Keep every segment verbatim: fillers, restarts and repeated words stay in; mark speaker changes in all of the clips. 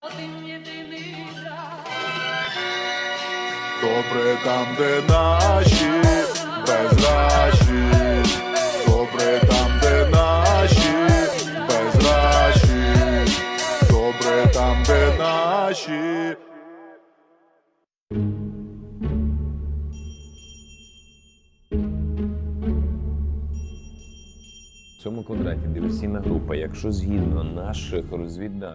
Speaker 1: Добре там, де наші безращі, добре там, де наші безращі, добре там, де наші.
Speaker 2: В цьому квадраті диверсійна група, якщо згідно наших розвідданих,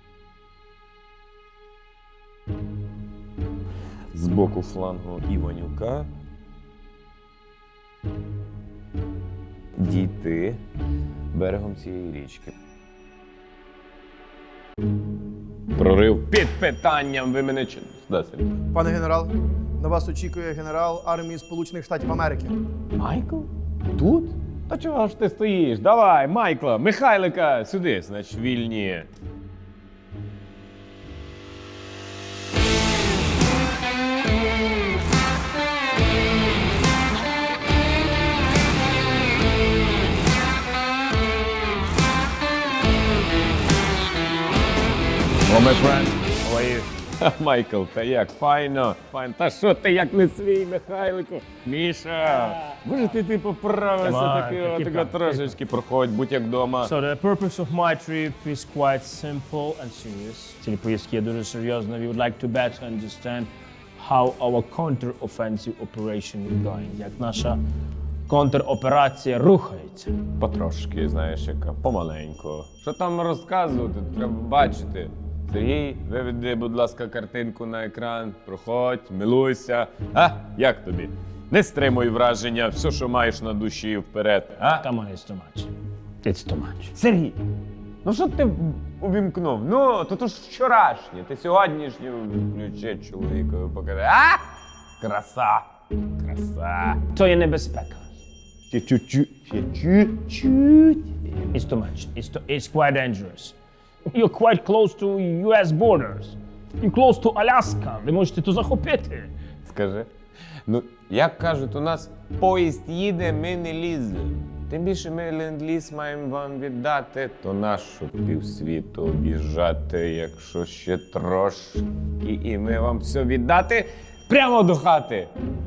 Speaker 2: з боку флангу Іванюка дійти берегом цієї річки. Прорив під питанням, ви мене чи... Да, Сергій.
Speaker 3: Пане генерал, на вас очікує генерал армії Сполучених Штатів Америки.
Speaker 2: Майкл? Тут? Та чого ж ти стоїш? Давай, Майкла, Михайлика сюди, значить, вільні. О, my friend, how are you? Майкл, та як, файно, файно. Та що ти як не свій, Михайлику? Міша, може ти, ти поправився
Speaker 4: Come on,
Speaker 2: таки,
Speaker 4: keep
Speaker 2: отако
Speaker 4: up,
Speaker 2: трошечки, проходь, будь як вдома.
Speaker 4: So the purpose of my trip is quite simple and serious. Ціль поїздки є дуже серйозна. We would like to better understand how our counter-offensive operation is going. Як наша контроперація рухається.
Speaker 2: Потрошки, знаєш, яка, помаленьку. Що там розказувати, треба бачити. Сергій, виведи, будь ласка, картинку на екран, проходь, милуйся. А, як тобі? Не стримуй враження, все, що маєш на душі, вперед. А?
Speaker 4: Come on, it's too much. It's too much.
Speaker 2: Сергій, ну що ти увімкнув? Ну, то то ж вчорашнє, ти сьогоднішнє включи чоловікові покажи. А? Краса, краса.
Speaker 4: То є небезпека.
Speaker 2: Ще чуть-чуть, ще чуть-чуть.
Speaker 4: It's too much. It's, too, it's quite dangerous. You're quite close to ю ес borders. You're close to Alaska. Ви можете тут захопити.
Speaker 2: Скажи. Ну, як кажуть, у нас поїзд їде, ми не ліземо. Тим більше ми ленд-ліз маємо вам віддати, то нащо півсвіту об'їжджати, якщо ще трошки, і ми вам все віддати прямо до хати.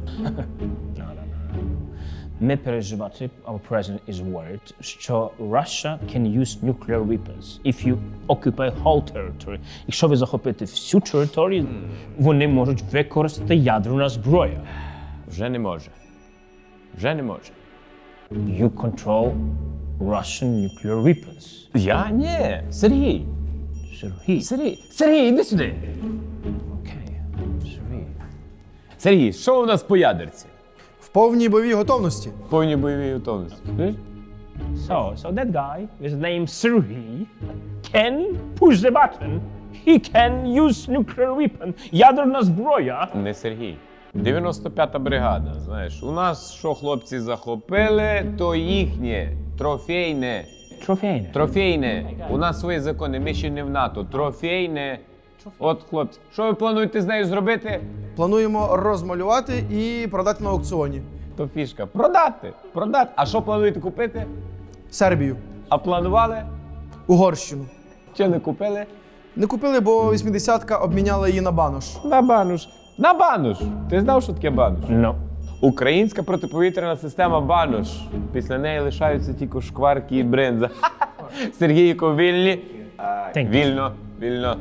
Speaker 4: Ми переживати, our president is worried, що Russia can use nuclear weapons if you occupy whole territory. Якщо ви захопите всю територію, вони можуть використати ядерну зброю.
Speaker 2: Вже не може. Вже не може.
Speaker 4: You control Russian nuclear weapons.
Speaker 2: Я? Ні. Сергій.
Speaker 4: Сергій.
Speaker 2: Сергій. Сергій, іди сюди.
Speaker 4: Окей. Сергій.
Speaker 2: Сергій, що у нас по ядерці?
Speaker 3: В повній бойовій готовності.
Speaker 2: Повні бойові готовності.
Speaker 4: So, so that guy with the name Sergei can push the button. He can use nuclear weapon. Ядерна зброя.
Speaker 2: Не Сергій. дев'яносто п'ята бригада, знаєш. У нас, що хлопці захопили, то їхнє. Трофейне.
Speaker 4: Трофейне.
Speaker 2: Трофейне. У нас свої закони, ми ще не в НАТО. Трофейне. От, хлопці, що ви плануєте з нею зробити?
Speaker 3: Плануємо розмалювати і продати на аукціоні.
Speaker 2: То фішка. Продати. Продати. А що плануєте купити?
Speaker 3: Сербію,
Speaker 2: А планували?
Speaker 3: Угорщину.
Speaker 2: Чи не купили?
Speaker 3: Не купили, бо вісімдесятка обміняла її на банош.
Speaker 2: На бануш. На бануш. Ти знав, що таке бануш?
Speaker 4: No.
Speaker 2: Українська протиповітряна система бануш. Після неї лишаються тільки шкварки і бринза. Сергійко, вільні?
Speaker 4: Thank you.
Speaker 2: Вільно, вільно.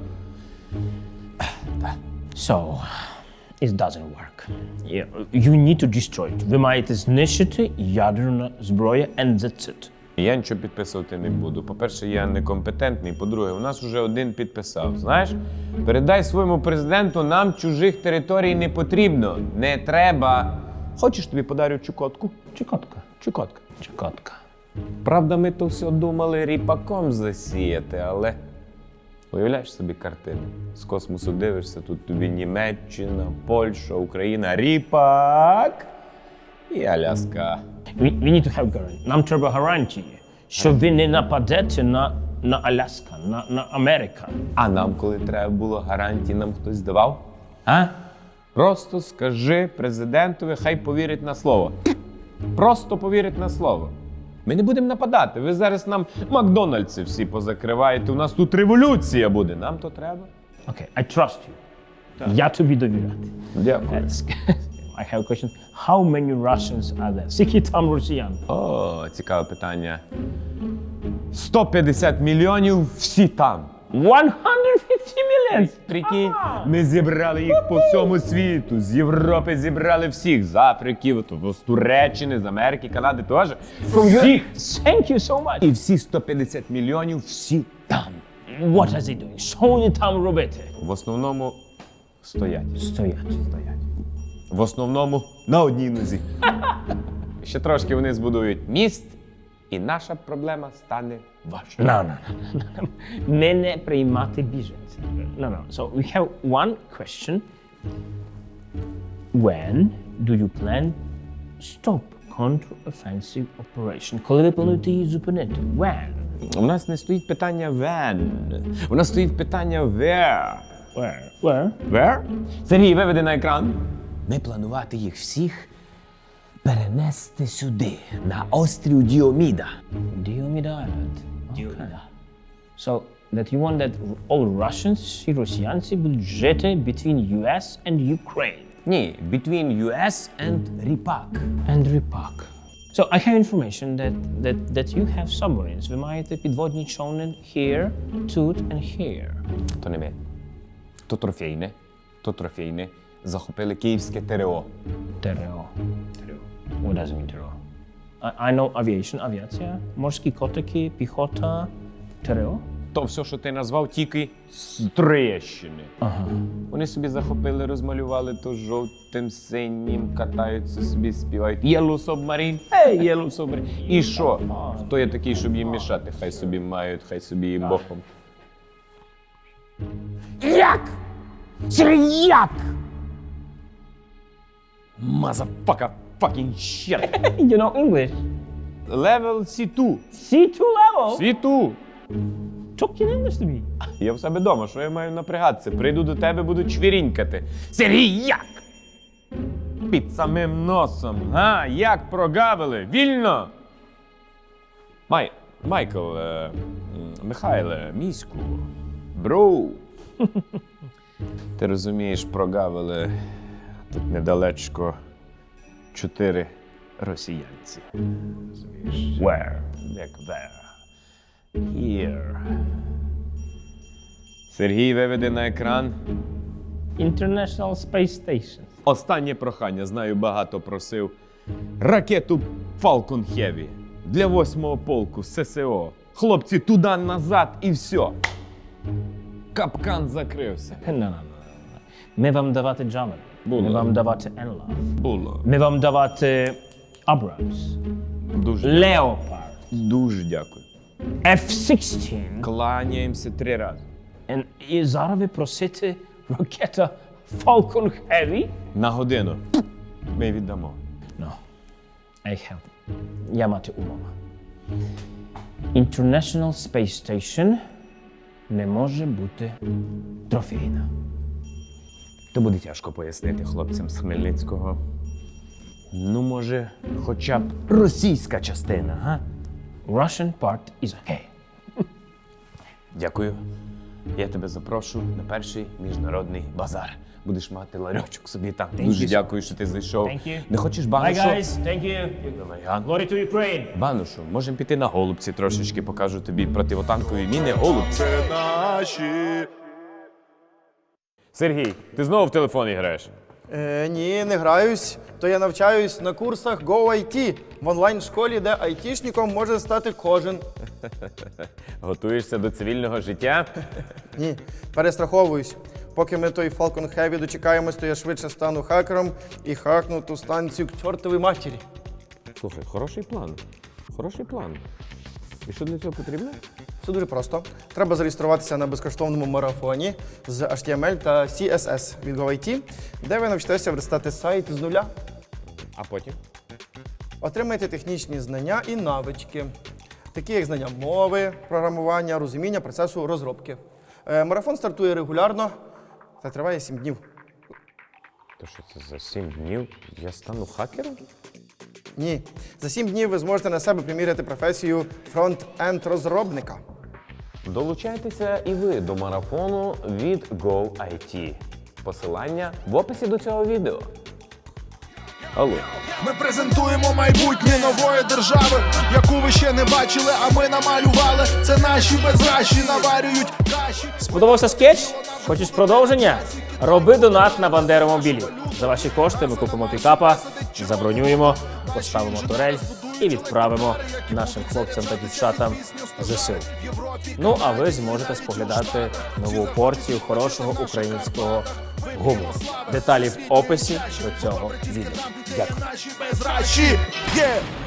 Speaker 4: So, it doesn't work. Yeah, you need to destroy it. Ви маєте знищити ядерну зброю, and that's it.
Speaker 2: Я нічого підписувати не буду. По-перше, я некомпетентний. По-друге, у нас вже один підписав. Знаєш, передай своєму президенту, нам чужих територій не потрібно. Не треба. Хочеш, тобі подарю Чукотку?
Speaker 4: Чекотка.
Speaker 2: Чукотка.
Speaker 4: Чекотка.
Speaker 2: Правда, ми то все думали ріпаком засіяти, але уявляєш собі картину. З космосу дивишся, тут тобі Німеччина, Польща, Україна, ріпак і Аляска.
Speaker 4: We, we need to have guarantee. Нам треба гарантії, що ви не нападете на, на Аляска, на, на Америка.
Speaker 2: А нам, коли треба було гарантії, нам хтось давав?
Speaker 4: А?
Speaker 2: Просто скажи президентові, хай повірить на слово. Просто повірить на слово. Ми не будемо нападати. Ви зараз нам Макдональдси всі позакриваєте. У нас тут революція буде. Нам то треба.
Speaker 4: Okay, I trust you. Я тобі довіряти.
Speaker 2: Дякую.
Speaker 4: That's- I have a question. How many Russians are there? Скільки там росіян?
Speaker 2: О, цікаве питання. сто п'ятдесят мільйонів всі там.
Speaker 4: one hundred fifty million!
Speaker 2: Прикинь, ми зібрали їх по всьому світу. З Європи зібрали всіх. З Африки, от, з Туреччини, з Америки, Канади теж. Всіх.
Speaker 4: Thank you so much.
Speaker 2: І всі сто п'ятдесят мільйонів всі там.
Speaker 4: What are they doing? Що вони там робити?
Speaker 2: В основному стоять.
Speaker 4: Стоять.
Speaker 2: Стоять. В основному на одній нозі. Ще трошки вони збудують міст, і наша проблема стане вашою.
Speaker 4: No, no, no, no. Не не приймати біженців. No, no. So we have one question. When do you plan stop counter-offensive operation? Коли ви плануєте її зупинити? When?
Speaker 2: У нас не стоїть питання when. У нас стоїть питання where.
Speaker 4: Where? Where?
Speaker 2: Where? Сергій, виведи на екран. Ми планувати їх всіх перенести сюди, на острів Діоміда.
Speaker 4: Diomida Island. Diomida. So that you want that all Russians, всі росіянці будуть жити between ю ес and Ukraine.
Speaker 2: Ні, between ю ес and Ріпак.
Speaker 4: And Ripak. So I have information that, that, that you have submarines. Ви маєте підводні човни here, тут and here.
Speaker 2: То не ми. То трофейне, то трофейне. Захопили київське ТРО.
Speaker 4: ТРО. What does it mean ТРО? I, I know aviation, авіація, морські котики, піхота, ТРО.
Speaker 2: То все, що ти назвав, тільки з Троєщини.
Speaker 4: Ага.
Speaker 2: Вони собі захопили, розмалювали то жовтим, синім, катаються собі, співають Yellow Submarine, hey, Yellow Submarine. І що? Хто є такий, щоб їм мішати? Хай собі мають, хай собі їм боком. Як? Сергій, як? Motherfucker, fucking shit.
Speaker 4: You know English?
Speaker 2: Level сі два.
Speaker 4: сі два level?
Speaker 2: сі два.
Speaker 4: Talk in English to me.
Speaker 2: Я в себе вдома, що я маю напрягатися? Прийду до тебе, буду чвірінькати. Сергій, як? Під самим носом, га? Як прогавили? Вільно! Май... Майкл, е... м, Михайле, міську, броу. Ти розумієш, прогавили тут недалечко чотири росіянці. Розумієш? Where? Як there? Here. Сергій виведе на екран.
Speaker 4: International Space Station.
Speaker 2: Останнє прохання, знаю, багато просив. Ракету Falcon Heavy для восьмого полку ССО. Хлопці, туди-назад і все. Капкан закрився.
Speaker 4: No, no, no, no. Ми вам давати Javelin.
Speaker 2: Було.
Speaker 4: Ми вам давати Enlav.
Speaker 2: Було.
Speaker 4: Ми вам давати Abrams.
Speaker 2: Дуже,
Speaker 4: Leopard.
Speaker 2: дуже дякую.
Speaker 4: еф шістнадцять.
Speaker 2: Кланяємося три рази.
Speaker 4: And і зараз ви просите ракета Falcon Heavy?
Speaker 2: На годину. Ми віддамо.
Speaker 4: No. I have. Я мати умова. International Space Station не може бути трофейна.
Speaker 2: То буде тяжко пояснити хлопцям з Хмельницького. Ну, може, хоча б російська частина, га?
Speaker 4: Russian part is okay.
Speaker 2: Дякую. Я тебе запрошу на перший міжнародний базар. Будеш мати ларьочок собі там. Дуже
Speaker 4: you.
Speaker 2: дякую, що ти зайшов.
Speaker 4: Thank you.
Speaker 2: Не хочеш
Speaker 4: Bye
Speaker 2: банушу?
Speaker 4: guys, thank you.
Speaker 2: Давай,
Speaker 4: Glory to Ukraine.
Speaker 2: банушу, можемо піти на голубці трошечки, покажу тобі противотанкові міни. Голубці.
Speaker 1: Це наші.
Speaker 2: Сергій, ти знову в телефоні граєш?
Speaker 3: Е, ні, не граюсь. То я навчаюсь на курсах Go ай ті в онлайн-школі, де айтішником може стати кожен.
Speaker 2: Готуєшся до цивільного життя?
Speaker 3: Ні, перестраховуюсь. Поки ми той Falcon Heavy дочекаємось, то я швидше стану хакером і хакну ту станцію к чортовій матері.
Speaker 2: Слухай, хороший план. Хороший план. І що для цього потрібно?
Speaker 3: Все дуже просто. Треба зареєструватися на безкоштовному марафоні з ейч ті ем ель та сі ес ес від Go ай ті, де ви навчитеся верстати сайт з нуля.
Speaker 2: А потім?
Speaker 3: Отримаєте технічні знання і навички, такі як знання мови, програмування, розуміння процесу розробки. Е, Марафон стартує регулярно та триває сім днів.
Speaker 2: То що це за сім днів? Я стану хакером?
Speaker 3: Ні. За сім днів ви зможете на себе приміряти професію фронт-енд розробника.
Speaker 2: Долучайтеся і ви до марафону від GoIT. Посилання в описі до цього відео. Алло.
Speaker 1: Ми презентуємо майбутнє нової держави, яку ви ще не бачили, а ми намалювали. Це наші безращі наварюють каші.
Speaker 4: Сподобався скетч? Хочеш продовження? Роби донат на Бандеромобілі. За ваші кошти ми купимо пікапа, забронюємо, поставимо турель і відправимо нашим хлопцям та дівчатам ЗСУ. Ну, а ви зможете споглядати нову порцію хорошого українського гумору. Деталі в описі до цього відео. Дякую.
Speaker 1: Наші безращі. Є!